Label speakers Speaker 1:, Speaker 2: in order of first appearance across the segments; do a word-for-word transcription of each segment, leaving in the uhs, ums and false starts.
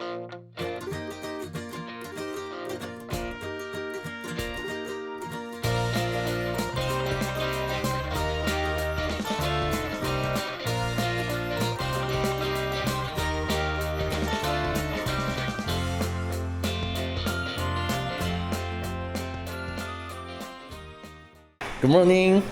Speaker 1: 굿모닝.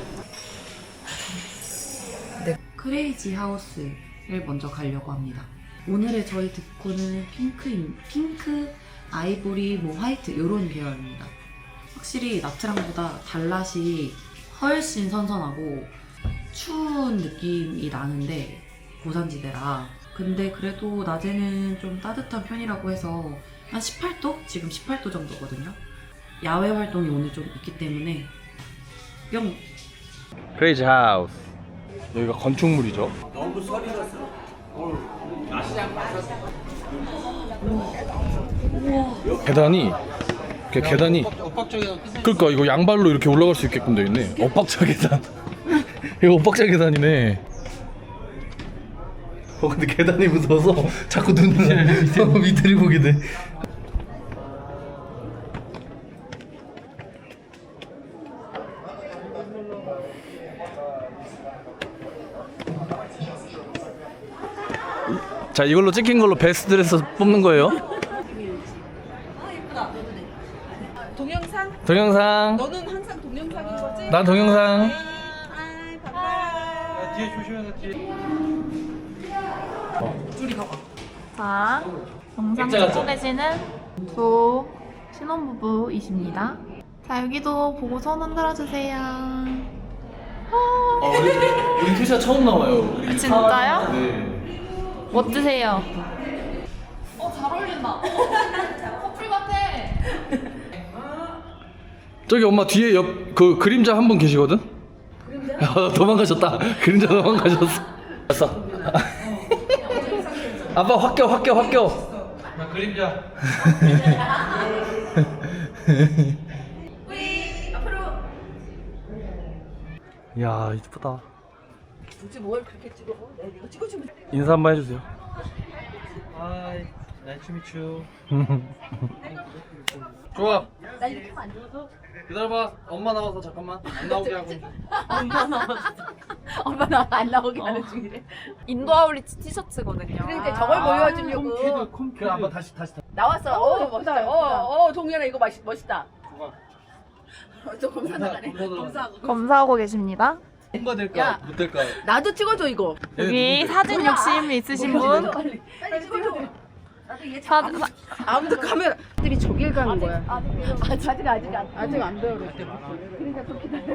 Speaker 2: 네, 크레이지 하우스를 먼저 가려고 합니다. 오늘의 저희 득코는 핑크, 핑크, 아이보리, 뭐 화이트 이런 계열입니다. 확실히 나트랑보다 달랏이 훨씬 선선하고 추운 느낌이 나는데 고산지대라. 근데 그래도 낮에는 좀 따뜻한 편이라고 해서 한 십팔 도? 지금 십팔 도 정도거든요. 야외 활동이 오늘 좀 있기 때문에 뿅!
Speaker 1: 크레이지 하우스. 여기가 건축물이죠.
Speaker 3: 너무 설이 났어.
Speaker 1: 계단이 그 계단이 그러니까 이거 양발로 이렇게 올라갈 수 있게끔 되어 있네. 엇박자 계단. 이거 엇박자 계단이네. 어 근데 계단이 무서워서 자꾸 눈을 밑을 보게 돼. 자, 이걸로 찍힌 걸로 베스트 드레스 뽑는 거예요.
Speaker 4: 동영상?
Speaker 1: 동영상.
Speaker 4: 너는 항상 동영상인 거지?
Speaker 1: 난 동영상.
Speaker 4: 아이 반가워.
Speaker 3: 뒤에 조심해서 뒤에.
Speaker 2: 둘이 가봐.
Speaker 5: 자, 영상
Speaker 1: 액자
Speaker 5: 찍고
Speaker 1: 같죠?
Speaker 5: 계시는 두 신혼부부이십니다. 자, 여기도 보고 손 흔들어 주세요.
Speaker 1: 어, 우리, 우리 투샷 처음 나와요. 우리
Speaker 5: 진짜요?
Speaker 1: 네.
Speaker 5: 멋지세요. 어, 잘 어울린다. 커플 같아.
Speaker 1: 저기 엄마 뒤에 옆 그 그림자 한 분 계시거든? 그림자? 도망가셨다. 그림자 도망가셨어. 됐어. 아빠 확 껴, 확 껴, 확 껴.
Speaker 3: 나 그림자.
Speaker 4: 우리 앞으로.
Speaker 1: 이야, 이쁘다.
Speaker 4: 굳이 뭘 그렇게 찍어? 내가 이거 찍어주면 돼.
Speaker 1: 인사 한번 해주세요.
Speaker 3: 하이, 나이스 미추.
Speaker 1: 좋아.
Speaker 4: 나 이렇게 하면 안 찍어도?
Speaker 1: 기다려봐. 엄마 나와서 잠깐만 안 나오게 하고.
Speaker 4: 엄마 나와. 엄마 나와 안 나오게 하는 중이래.
Speaker 5: 인도 아울리치 티셔츠거든요.
Speaker 4: 그러니까 저걸 보여주려고.
Speaker 1: 그래 아빠 다시 다시.
Speaker 4: 나왔어. 어, 멋있다. 어, 어, 동현아 이거 멋있, 멋있다. 저 검사 나가네. 검사하고.
Speaker 5: 검사하고 계십니다.
Speaker 1: 뭔가
Speaker 4: 야.
Speaker 1: 될까 못 될까.
Speaker 4: 나도 찍어줘 이거.
Speaker 5: 여기 사진 욕심 있으신 분.
Speaker 4: 빨리, 빨리 찍어줘. 나도 얘
Speaker 5: 사,
Speaker 4: 참-
Speaker 5: 사,
Speaker 4: 아무도 카메라. 들이 저길 가는 거야. 아직 아직 아직 안 아직 안 배우래. 그러니까 좀 기다려.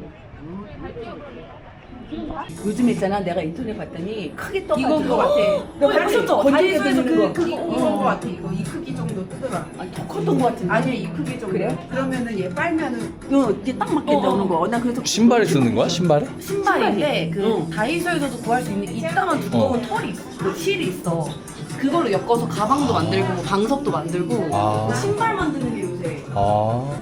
Speaker 4: 요즘 있잖아 내가 인터넷 봤더니 크게 떠가지고 이거 같아. 내가 봤었죠. 다이소에서 그 그거 온 거 같아. 이거 이 크기 정도 뜨더라. 아니 더 컸던 거 같은데. 아니야 이 크기 정도. 그래? 그러면은 얘 빨면은 어 이게 딱 맞게 나오는 거. 나 그래서
Speaker 1: 신발에 쓰는 거야? 신발에?
Speaker 2: 신발인데 그
Speaker 4: 응.
Speaker 2: 다이소에서도 구할 수 있는 이따만 두꺼운
Speaker 1: 어.
Speaker 2: 털이 있어. 그 실이 있어. 그걸로 엮어서 가방도 만들고 방석도 만들고
Speaker 1: 아.
Speaker 2: 신발 만드는 게 요새.
Speaker 1: 아.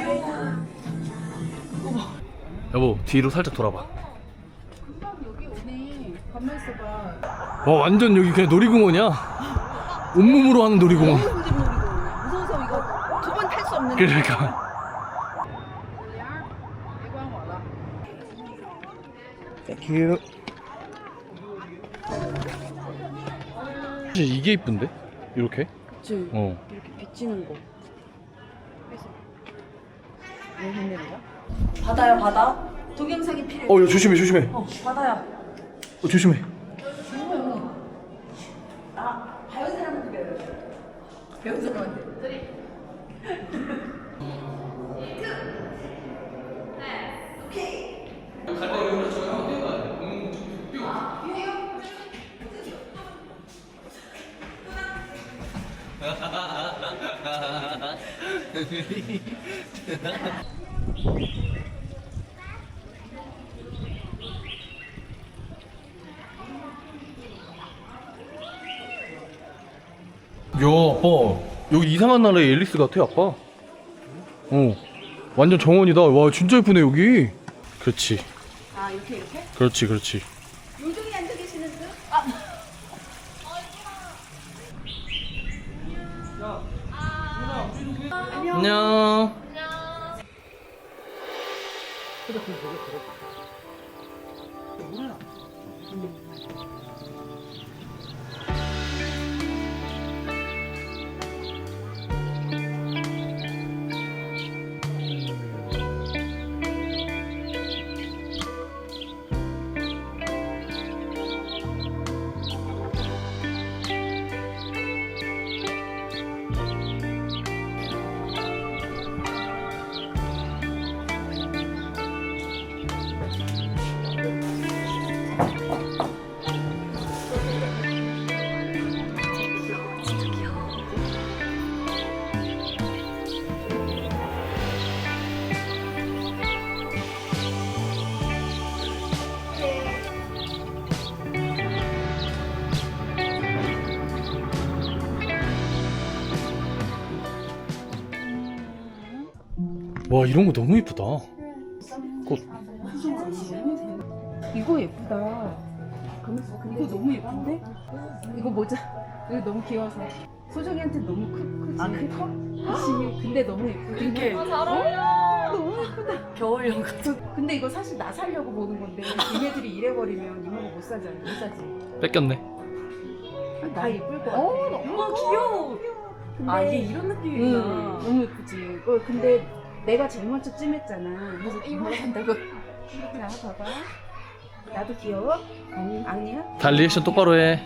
Speaker 1: 여보 뒤로 살짝 돌아봐.
Speaker 4: 여기 오네. 가만 있어봐.
Speaker 1: 와 완전 여기 그냥 놀이공원이야. 온몸으로 하는 놀이공원.
Speaker 4: 너무 힘든 놀이고 무서워서 이거 두 번 탈 수 없는.
Speaker 1: 그러니까. Thank you. 이게 이쁜데? 이렇게?
Speaker 4: 그치.
Speaker 1: 어.
Speaker 4: 이렇게 비치는 거. 왜 했는 거야?
Speaker 2: 바다야 바다. 동영상이 필요해.
Speaker 1: 어, 야, 조심해, 조심해.
Speaker 2: 어, 바다야.
Speaker 1: 어, 조심해.
Speaker 2: 나 배운 사람한테 배워요. 배운 사람한테.
Speaker 1: 야, 아빠. 여기 이상한 나라의 앨리스 같아, 아빠. 어. 완전 정원이다. 와, 진짜 예쁘네, 여기. 그렇지.
Speaker 4: 아 이렇게 이렇게?
Speaker 1: 그렇지, 그렇지.
Speaker 4: 요정이 앉아 계시는 듯? 아.
Speaker 1: 안녕. 와, 이런 거 너무 이쁘다. 꽃.
Speaker 4: 이거 예쁘다. 이거 너무 예쁜데? 이거 모자. 이거 너무 귀여워서. 소정이한테 너무 크, 크지? 아, 커? 그치. 근데 너무 예쁘다. 이게. 잘 어울려. 너무 예쁘다.
Speaker 2: 겨울용 같은.
Speaker 4: 근데 이거 사실 나 살려고 보는 건데, 얘네들이 이래버리면 이모가 못 사잖아. 못 사지.
Speaker 1: 뺏겼네.
Speaker 4: 다 예쁠 것 같아.
Speaker 2: 어, 너무 귀여워.
Speaker 4: 근데,
Speaker 2: 아, 이게 이런 느낌이구나.
Speaker 4: 응, 너무 예쁘지. 어, 근데 내가 제일 먼저 찜했잖아. 그래서 이모가 산다고. 자, 봐봐. 나도 귀여워? 아니. 아니야?
Speaker 1: 다 리액션 똑바로 해.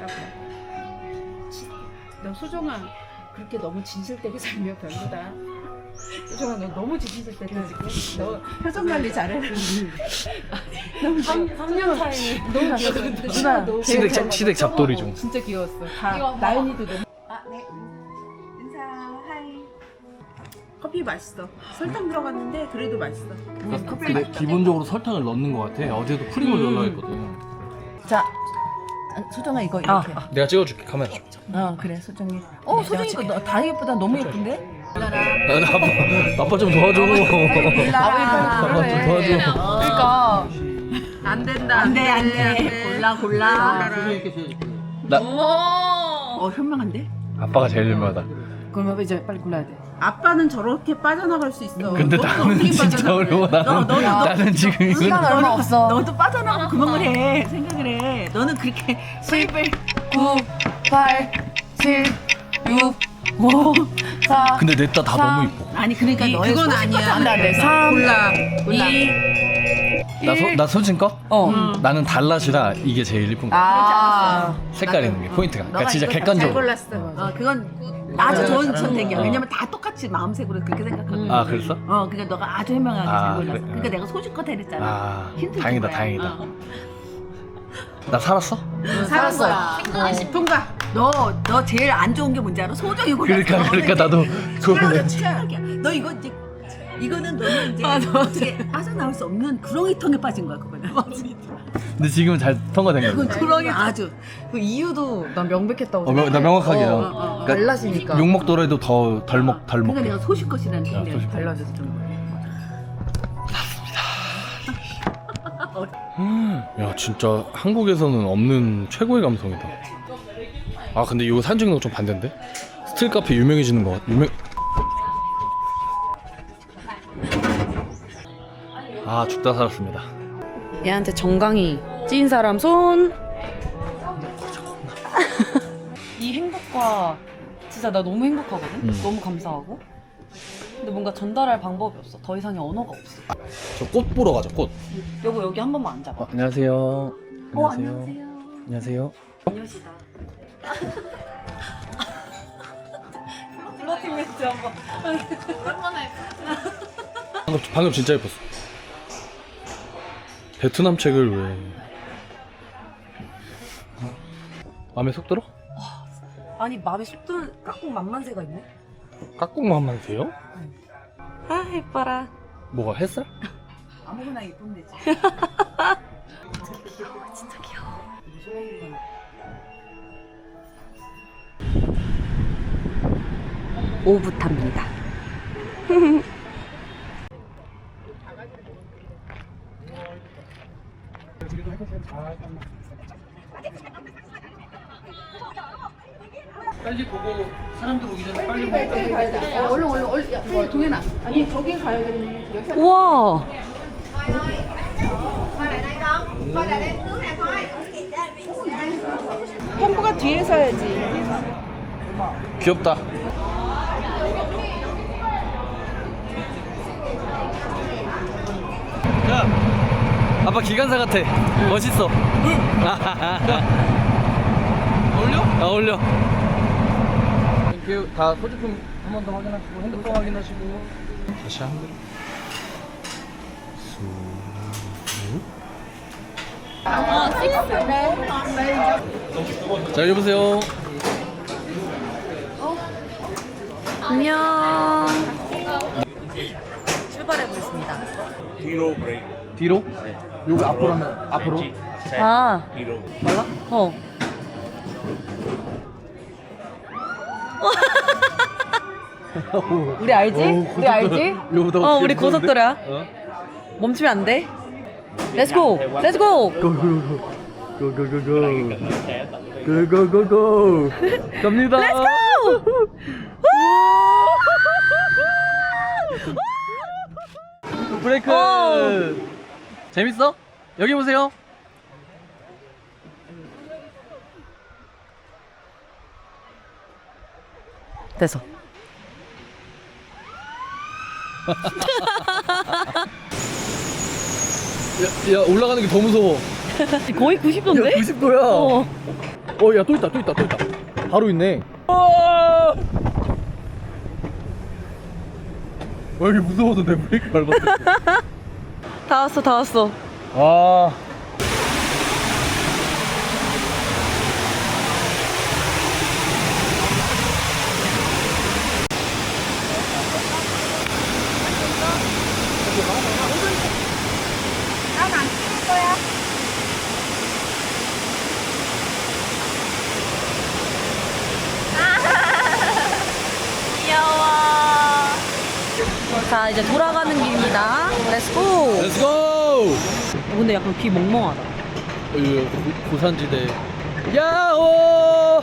Speaker 4: 너 소정아 그렇게 너무 진실되게 살면 별로다. 소정아 너 너무 진실되게 지금. 너 표정 관리 잘해. 너무
Speaker 2: 삼 년 차이.
Speaker 4: 너무 귀여워. 누나 너
Speaker 1: 시댁 잡- 시댁 잡돌이 좀.
Speaker 4: 진짜 귀여웠어. 다
Speaker 5: 이거 봐봐.
Speaker 4: 나연이도 너무. 아 네. 인사 하이. 커피 맛있어. 설탕 들어갔는데 그래도 맛있어.
Speaker 1: 근데 기본적으로 설탕을 넣는 것 같아. 어제도 프림을
Speaker 4: 음.
Speaker 1: 넣으려 했거든.
Speaker 4: 자, 소정아 이거 이렇게.
Speaker 1: 내가 찍어줄게, 카메라.
Speaker 4: 어 그래 소정이. 어 소정이 이거 너- 다 예쁘다. 너무 예쁜데?
Speaker 1: 아, 나 아빠, 아빠 좀 도와줘. 아빠 좀 도와줘.
Speaker 5: 그러니까
Speaker 4: 안 된다. 안 돼, 안 돼. 골라, 골라.
Speaker 1: 나
Speaker 4: 어, 현명한데?
Speaker 1: 아빠가 제일 유명하다.
Speaker 4: 그럼 이제 빨리 골라야 돼. 아빠는 저렇게 빠져나갈 수 있어.
Speaker 1: 근데
Speaker 4: 너도
Speaker 1: 나는
Speaker 4: 어떻게
Speaker 1: 진짜
Speaker 4: 빠져나가?
Speaker 1: 어려워. 나는
Speaker 4: 너, 너도, 너,
Speaker 1: 나는 지금 이거
Speaker 5: 시간 얼마 없어.
Speaker 4: 너도 빠져나가고 그만 해. 생각을 해. 너는 그렇게 수입을.
Speaker 5: 구, 팔, 칠, 육, 오, 사.
Speaker 1: 근데 내 딸 다 너무 이뻐.
Speaker 4: 아니, 그러니까 너의 그건 아니야.
Speaker 5: 안 돼, 안 돼. 삼,
Speaker 4: 골라.
Speaker 5: 이,
Speaker 1: 나, 소, 나 솔진 거?
Speaker 5: 어.
Speaker 1: 나는 달랏이라 이게 제일 이쁜 거.
Speaker 5: 아.
Speaker 1: 색깔 있는 게 포인트가. 그러니까
Speaker 4: 너가
Speaker 1: 진짜
Speaker 4: 이거 잘
Speaker 1: 객관적으로.
Speaker 4: 골랐어. 어, 그건 아주 좋은 선택이야.
Speaker 1: 어.
Speaker 4: 왜냐면 다 똑같이 마음색으로 그렇게 생각하거든.
Speaker 1: 아, 그랬어?
Speaker 4: 어, 그러니까 너가 아주 현명하게
Speaker 1: 아,
Speaker 4: 잘 골랐어.
Speaker 1: 그래?
Speaker 4: 그러니까 내가 소식껏 해냈잖아.
Speaker 1: 아,
Speaker 4: 힌트 준
Speaker 1: 다행이다,
Speaker 4: 거야.
Speaker 1: 다행이다.
Speaker 4: 어.
Speaker 1: 나 살았어?
Speaker 4: 살았어. 아, 통과. 너, 너 제일 안 좋은 게 뭔지 알아? 소정이 골랐어.
Speaker 1: 그러니까, 그러니까 나도 그거는.
Speaker 4: 최악이야. 너 이거 이제 이거는 너는 이제 어떻게 빠져나올 수 없는 구렁이통에 빠진 거야 그거는.
Speaker 1: 근데 지금은 잘 통과된
Speaker 4: 그건
Speaker 1: 거야.
Speaker 4: 구렁이 아주.
Speaker 5: 그 이유도 난 명백했다고.
Speaker 1: 어, 명- 나 명확하게.
Speaker 5: 어,
Speaker 1: 어,
Speaker 5: 어, 어.
Speaker 1: 그러니까
Speaker 5: 달라지니까.
Speaker 1: 욕 먹더라도 더 덜 먹, 덜 먹.
Speaker 4: 그러니까 내가 소식껏이라는
Speaker 1: 야,
Speaker 4: 게
Speaker 1: 소식껏.
Speaker 4: 달라져서 그런 거야.
Speaker 1: 야, 진짜 한국에서는 없는 최고의 감성이다. 아, 근데 이거 사진 찍는 거 좀 반대인데? 스틸 카페 유명해지는 거 같, 유명. 아, 죽다 살았습니다.
Speaker 2: 얘한테 정강이 찐 사람 손. 이 행복과 진짜 나 너무 행복하거든.
Speaker 1: 음.
Speaker 2: 너무 감사하고. 근데 뭔가 전달할 방법이 없어. 더 이상의 언어가 없어.
Speaker 1: 저 꽃 보러 가자, 꽃.
Speaker 2: 여보 여기 한 번만 앉아봐.
Speaker 1: 어, 안녕하세요.
Speaker 2: 어, 안녕하세요.
Speaker 1: 안녕하세요.
Speaker 2: 안녕시다. 플러팅 멘트 한번.
Speaker 5: 오랜만에.
Speaker 1: 방금, 방금 진짜 예뻤어. 베트남 책을 왜. 마음에 쏙 들어?
Speaker 2: 아니 마음에 쏙 드는 깍꿍 만만세가 있네.
Speaker 1: 깍꿍만만 돼요?
Speaker 2: 아 예뻐라.
Speaker 1: 뭐가 햇살?
Speaker 4: 아무거나 예쁘면 되지.
Speaker 2: 진짜 귀여워. 오붓합니다.
Speaker 3: 빨리 보고 요거 사람들 오기 전에 빨리
Speaker 4: 저기 가야 돼. 어, 얼른 얼른 얼른. 야, 빨리 동현아. 아니 저기 가야겠네. 여기
Speaker 2: 우와.
Speaker 4: 형부가 뒤에 서야지.
Speaker 1: 귀엽다.
Speaker 3: 자,
Speaker 1: 아빠 기관사 같아. 멋있어.
Speaker 3: 어울려?
Speaker 1: 아, 어울려. 땡큐. 다 소지품 한 번 더 확인하시고 핸드폰 확인하시고 다시 한 번. 자, 여보세요.
Speaker 2: 안녕. 출발해 보겠습니다.
Speaker 1: 뒤로? 여기 앞으로 하면 앞으로?
Speaker 2: 아. 몰라? 어. 우리 알지? 우리 알지? 어, 우리 고속도로야. 멈추면 안 돼. Let's go. Let's go.
Speaker 1: 고고고고 고고고고 갑니다.
Speaker 2: Let's go.
Speaker 1: 브레이크.
Speaker 2: 어.
Speaker 1: 재밌어? 여기 보세요.
Speaker 2: 됐어.
Speaker 1: 야, 야 올라가는 게 더 무서워.
Speaker 2: 거의 구십 도인데?
Speaker 1: 야, 구십 도야.
Speaker 2: 어.
Speaker 1: 어, 야, 또 있다, 또 있다, 또 있다. 바로 있네. 와, 여기 무서워서 내 브레이크 밟았어.
Speaker 2: 다 왔어, 다 왔어.
Speaker 1: 와.
Speaker 2: 귀여워. 자, 이제 돌아가는 길입니다. 렛츠고.
Speaker 1: 렛츠고!
Speaker 2: 근데 약간 귀 멍멍하다.
Speaker 1: 어, 이거 고- 고산지대. 야호!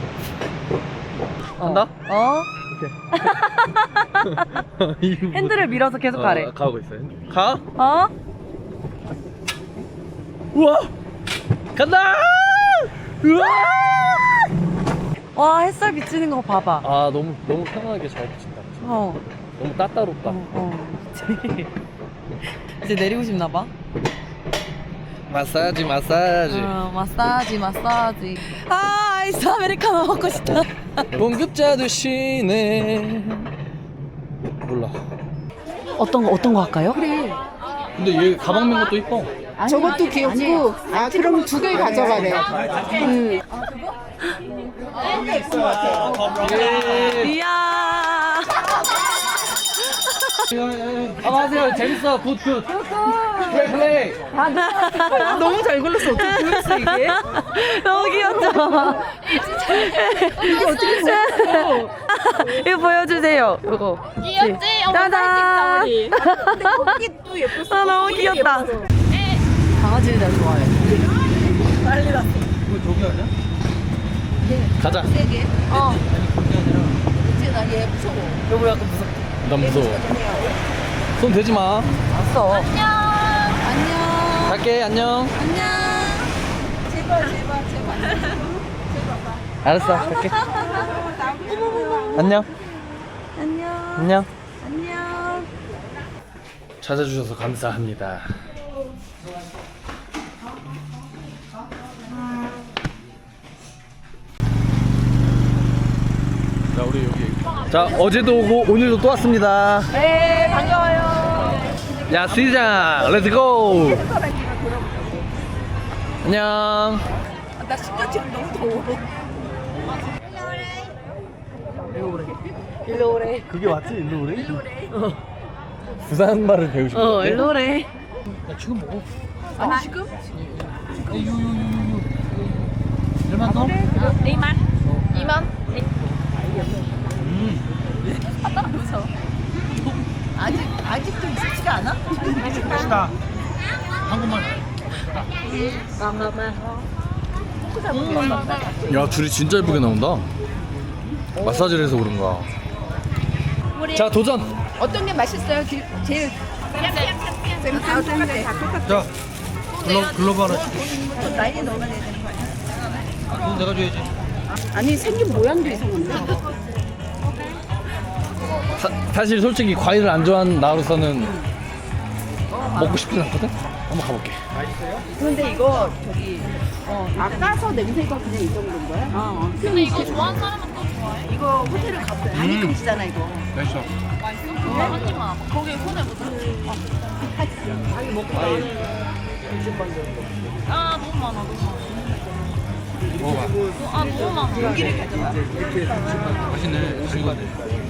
Speaker 1: 간다?
Speaker 2: 어?
Speaker 1: 이거
Speaker 2: 핸들을 밀어서 계속
Speaker 1: 어,
Speaker 2: 가래.
Speaker 1: 가고 있어요. 가?
Speaker 2: 어?
Speaker 1: 우와! 간다! 우와!
Speaker 2: 와, 햇살 비치는 거 봐봐.
Speaker 1: 아, 너무 너무 편안하게 잘 비친다. 진짜.
Speaker 2: 어.
Speaker 1: 너무 따따롭다.
Speaker 2: 어, 어. 이제 내리고 싶나 봐.
Speaker 1: 마사지, 마사지.
Speaker 2: 어, 마사지, 마사지. 아, 아이스 아메리카노 먹고 싶다.
Speaker 1: 공급자도 쉬네. 몰라.
Speaker 2: 어떤 거, 어떤 거 할까요?
Speaker 4: 그래.
Speaker 1: 근데 얘 가방 맨 것도 이뻐.
Speaker 4: 저것도 귀엽고. 아 그럼 두 개 가져가래. 응.
Speaker 2: 이야.
Speaker 1: 안녕하세요. 재밌어. 굿, 굿. 플레이, 플레이.
Speaker 2: 너무 잘 골랐어. 어떻게 보였어, 이게? 너무 귀엽죠? 이게 어떻게 보였어? 이거 보여주세요. 이거.
Speaker 5: 귀엽지? 어머
Speaker 2: 짜잔.
Speaker 5: 사진 찍자 우리.
Speaker 4: 또 예뻤어.
Speaker 2: 아, 너무 귀엽다. 강아지를 나 좋아해.
Speaker 3: 이거 저기 아니야?
Speaker 1: 가자.
Speaker 2: 어.
Speaker 4: 이제 나얘 무서워.
Speaker 2: 여보 약간 무섭다.
Speaker 1: 난 무서워. 손 대지 마.
Speaker 2: 왔어.
Speaker 4: 안녕.
Speaker 1: 갈게. 안녕.
Speaker 4: 안녕. 제발 제발 제발.
Speaker 1: 알았어. 갈게. 안녕.
Speaker 4: 안녕.
Speaker 1: 안녕.
Speaker 4: 안녕.
Speaker 1: 찾아주셔서 감사합니다. 자, 우리 여기. 자, 어제도 오고 오늘도 또 왔습니다.
Speaker 2: 네, 반가워요.
Speaker 1: 야, 시장, 렛츠고. 안녕.
Speaker 4: 나 심장 지금 너무 더워.
Speaker 2: 일로 오래.
Speaker 1: 그게 맞지? 일로 오래? 일로 오래. 부산 말을 배우신
Speaker 2: 어,
Speaker 1: 건데?
Speaker 2: 일로 오래.
Speaker 3: 야, 지금 먹어.
Speaker 4: 아니 지금?
Speaker 3: 유유유유. 얼마 더?
Speaker 5: 이만. 이만.
Speaker 4: 아직 아직도 익숙지가 않아?
Speaker 3: 맛있다. 한국말.
Speaker 1: 야, 줄이 진짜 예쁘게 나온다. 마사지를 해서 그런가. 자 도전.
Speaker 4: 어떤 게 맛있어요? 제- 제일 쌤 다 똑같아. 다 똑같아.
Speaker 3: 자, 글로, 글로브 하나 줄게.
Speaker 4: 나이에 넣어야 되는 거 아니야?
Speaker 3: 그럼 내가 줘야지.
Speaker 4: 아니 생긴 모양도 이상한데?
Speaker 1: 사, 사실 솔직히 과일을 안 좋아하는 나로서는 먹고 싶진 않거든. 한번 가볼게.
Speaker 4: 그런데 이거 저기 어, 아까서 냄새가 그냥 이 정도인 거야? 어.
Speaker 5: 근데 이거 좋아하는 사람은 또 좋아해?
Speaker 4: 이거 호텔을 가보자. 한입금치잖아 이거.
Speaker 3: 맛있어.
Speaker 5: 맛있어? 한 입만. 거기 손해보자. 아 너무 많아 너무 많아.
Speaker 3: 먹어봐.
Speaker 5: 아 너무 많아.
Speaker 4: 여기를 가져와.
Speaker 3: 맛있네. 즐거운데.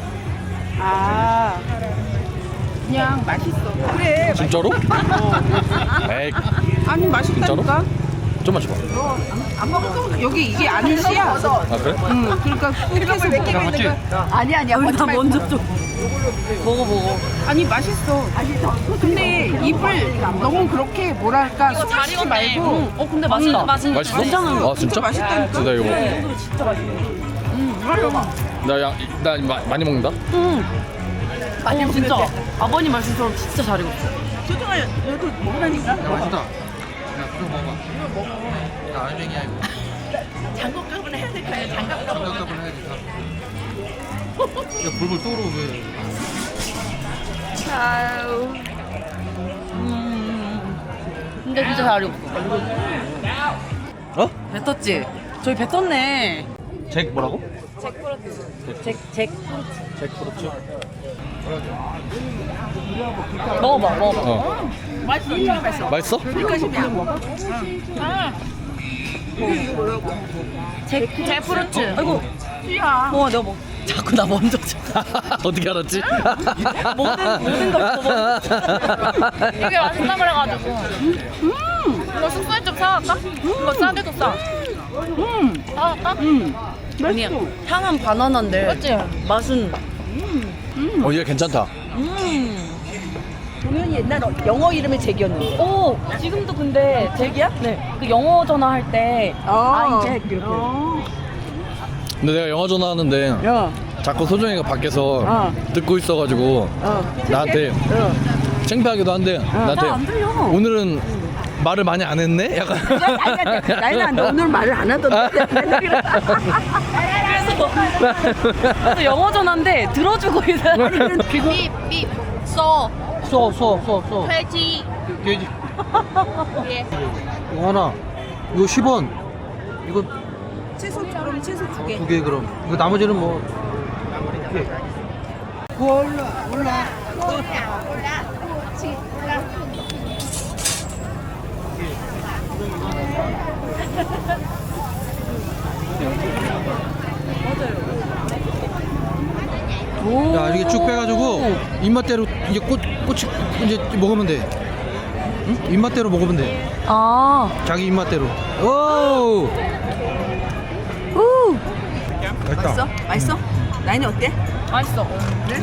Speaker 4: 아 그냥 맛있어. 그래.
Speaker 1: 진짜로? 에이
Speaker 4: 아니 맛있다니까.
Speaker 1: 좀만 줘봐.
Speaker 4: 안 먹을 거면 여기 이게 아니시야.
Speaker 1: 아 그래?
Speaker 4: 응. 그러니까 그래서 몇 개가 있는 거야. 아니 아니야. 나 먼저 좀. 먹어 먹어. 아니 맛있어. 맛있어. 근데 입을 너무 그렇게 뭐랄까
Speaker 5: 이거 잘
Speaker 4: 숨쉬지
Speaker 5: 익었네.
Speaker 4: 말고.
Speaker 5: 응. 어 근데 맛있다. 맛있는
Speaker 1: 맛있어?
Speaker 5: 괜찮아.
Speaker 1: 아 진짜?
Speaker 4: 맛있다니까.
Speaker 1: 진짜 이거 먹어.
Speaker 5: 진짜 맛있어.
Speaker 1: 나나 나 많이 먹는다.
Speaker 5: 응. 아니 진짜 아버님 말씀처럼 진짜 잘 익었어.
Speaker 4: 소중아 너도 먹으라니까.
Speaker 3: 맛있다. 야, 그거 먹어봐. 이거 먹어. 야, 알맹이야, 이거.
Speaker 4: 장갑값은 해야 될 거야. 장갑값.
Speaker 3: 장갑값은 해야 돼. 야, 불불 떠오르 왜?
Speaker 5: 아유. 음. 근데 진짜 잘 익었어.
Speaker 1: 어?
Speaker 6: 뱉었지? 저희 뱉었네.
Speaker 1: 잭 뭐라고?
Speaker 6: 잭, 잭.
Speaker 1: 잭 그렇죠.
Speaker 6: 먹어봐, 먹어봐.
Speaker 1: 어.
Speaker 4: 맛있어.
Speaker 1: 맛있어?
Speaker 4: 그러니까 먹어.
Speaker 6: 잭, 잭 프루츠. 아이고,
Speaker 4: 야.
Speaker 6: 어, 내가 먹. 자꾸 나 먼저 줘.
Speaker 1: 어떻게 알았지?
Speaker 6: 모든, 모든 걸 먹어.
Speaker 5: 되게 맛있다 그래가지고. 음. 이거 숙소에 좀 사갈까? 이거 싸게도 싸.
Speaker 6: 음,
Speaker 5: 사갈까?
Speaker 4: 음.
Speaker 6: 아니야. 향은 바나나인데.
Speaker 5: 맞지?
Speaker 6: 맛은.
Speaker 1: 어 얘 괜찮다.
Speaker 6: 음.
Speaker 4: 동현이 옛날 영어 이름이 잭이었는데.
Speaker 6: 오, 지금도 근데 잭이야? 네. 그 영어 전화할 때.
Speaker 4: 아,
Speaker 6: 아이, 잭, 이렇게.
Speaker 1: 근데 내가 영화 전화하는데
Speaker 4: 야.
Speaker 1: 자꾸 소정이가 밖에서
Speaker 4: 어.
Speaker 1: 듣고 있어가지고
Speaker 4: 어.
Speaker 1: 나한테
Speaker 4: 어.
Speaker 1: 창피하기도 한데 나한테
Speaker 6: 잘안 들려.
Speaker 1: 오늘은 말을 많이 안 했네? 약간
Speaker 4: 나는 너 오늘 말을 안 하던데.
Speaker 6: 또 영어 전화인데 들어주고 있어.
Speaker 5: 삐, 삐, 써,
Speaker 3: 써, 써, 써, 써.
Speaker 5: 돼지.
Speaker 3: 돼지.
Speaker 5: 예.
Speaker 3: 이거 하나. 이거 십 원. 이거
Speaker 4: 채소 그럼 채소 두 개.
Speaker 3: 두 개 그럼. 이거 나머지는 뭐. 이렇게. 올라, 올라. 야, 이렇게 쭉 빼가지고 입맛대로 이제 꽃 꽃이 이제 먹으면 돼. 응? 입맛대로 먹으면 돼.
Speaker 6: 아.
Speaker 3: 자기 입맛대로. 오.
Speaker 6: 우.
Speaker 3: 맛있다.
Speaker 4: 맛있어? 맛있어? 나인이 어때?
Speaker 5: 맛있어.
Speaker 4: 그래?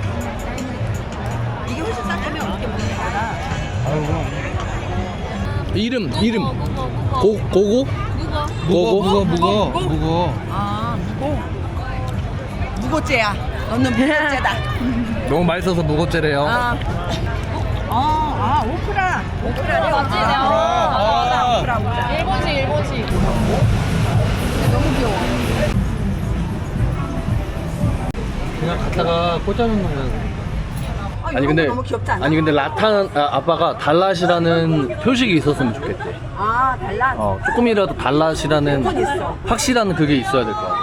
Speaker 4: 이게 훨씬 싼다면 어떻게 먹는 거야?
Speaker 3: 아유, 그럼.
Speaker 1: 이름 이름
Speaker 5: 무거, 무거, 무거.
Speaker 1: 고 고고
Speaker 5: 무거.
Speaker 3: 무거, 무거, 무거, 무거.
Speaker 4: 아, 무거. 무고죄야. 너는 무고죄다.
Speaker 1: 너무 맛있어서 무겁제래요.
Speaker 4: 아. 어, 아, 오크라. 오크라래.
Speaker 5: 맞지?
Speaker 3: 아,
Speaker 5: 아,
Speaker 4: 오크라, 오크라.
Speaker 5: 일본식, 일본식.
Speaker 4: 너무 귀여워.
Speaker 3: 그냥 갖다가 꽂아놓는 거야.
Speaker 4: 아,
Speaker 1: 아니
Speaker 4: 이런
Speaker 1: 근데
Speaker 4: 거 너무 귀엽지 않아?
Speaker 1: 아니 근데 라탄 아, 아빠가 달랏이라는 표식이 있었으면 좋겠대.
Speaker 4: 아, 달라.
Speaker 1: 어 조금이라도 달랏이라는
Speaker 4: 무조건 있어.
Speaker 1: 확실한 그게 있어야 될 것 같아.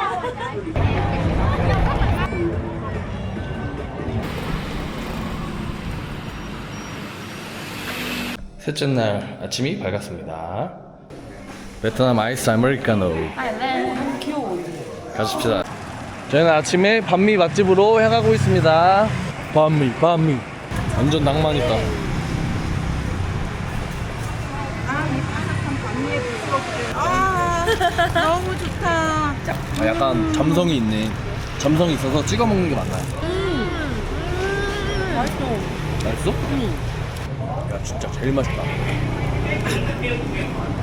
Speaker 1: 셋째 날 아침이 밝았습니다. 베트남 아이스 아메리카노 가십시다. 저희는 아침에 반미 맛집으로 향하고 있습니다. 반미 반미 완전 낭만 있다.
Speaker 4: 아, 너무 좋다.
Speaker 1: 아, 약간 점성이 있네. 점성이 있어서 찍어 먹는 게 맞나요? 음, 맛있어. 맛있어? 야 진짜 제일 맛있다.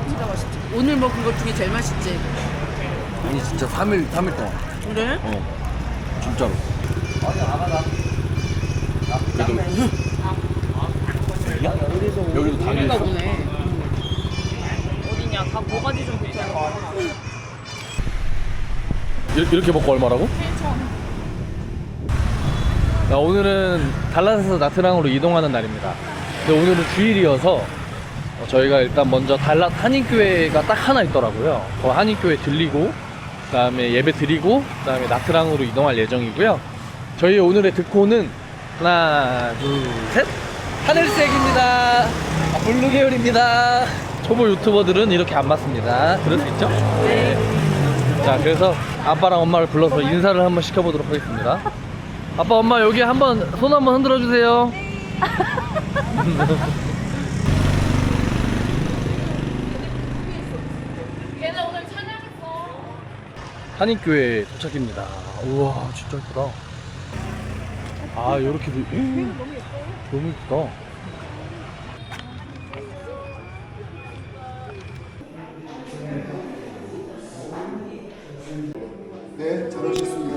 Speaker 6: 오늘 먹은 것 중에 제일 맛있지.
Speaker 1: 아니 진짜 삼 일 삼 일 동안.
Speaker 6: 그래?
Speaker 1: 어. 진짜로. 그래도 여기도 당이 있어.
Speaker 6: 어디냐? 각 모가지 좀 보자.
Speaker 1: 이렇게, 이렇게 먹고 얼마라고? 자, 오늘은 달랏에서 나트랑으로 이동하는 날입니다. 근데 오늘은 주일이어서 어, 저희가 일단 먼저 달랏 한인교회가 딱 하나 있더라고요. 그 한인교회 들리고 그 다음에 예배 드리고 그 다음에 나트랑으로 이동할 예정이고요. 저희 오늘의 득호는 하나 둘셋 하늘색입니다. 아, 블루 계열입니다. 초보 유튜버들은 이렇게 안 맞습니다. 그럴 수 있죠? 네. 자, 그래서 아빠랑 엄마를 불러서 인사를 한번 시켜보도록 하겠습니다. 아빠 엄마 여기 한번 손 한번 흔들어 주세요.
Speaker 6: 걔는 오늘 찬양했어.
Speaker 1: 한인교회 도착입니다. 우와 진짜 예쁘다. 아 요렇게 도 음, 너무 예쁘다.
Speaker 7: 네, 잘하셨습니다.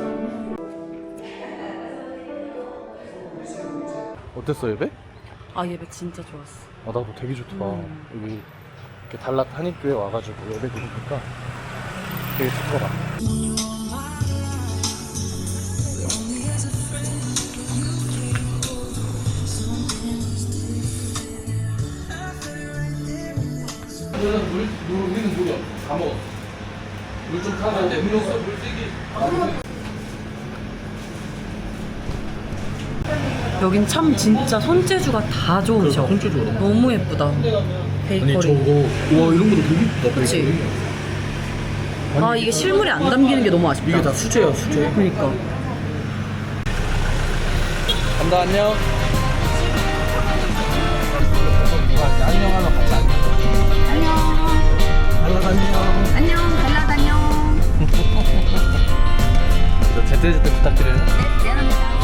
Speaker 1: 어땠어 예배?
Speaker 6: 아 예배 진짜 좋았어.
Speaker 1: 아 나도 되게 좋더라. 여기 이렇게 달랏 한인교회 와가지고 예배 드리니까 되게 좋더라. 우리는 물, 물, 우리는 물이야. 다 먹어. 물 좀 타면 돼. 음료수, 물세기.
Speaker 6: 여긴 참 진짜 손재주가 다 좋으셔.
Speaker 1: 손재주가 너무
Speaker 6: 너무 예쁘다. 베이커리.
Speaker 1: 우와 이런 것도 되게 예쁘다.
Speaker 6: 그치? 아 이게 실물이 안 담기는 게 너무 아쉽다.
Speaker 1: 이게 다 수제야 수제.
Speaker 6: 그러니까.
Speaker 1: 감사 안녕. 안녕하면 같이 안녕. 안녕. 안녕.
Speaker 5: 안녕, 달라 다녀.
Speaker 1: 제때제때 부탁드려요.
Speaker 5: 미안합니다.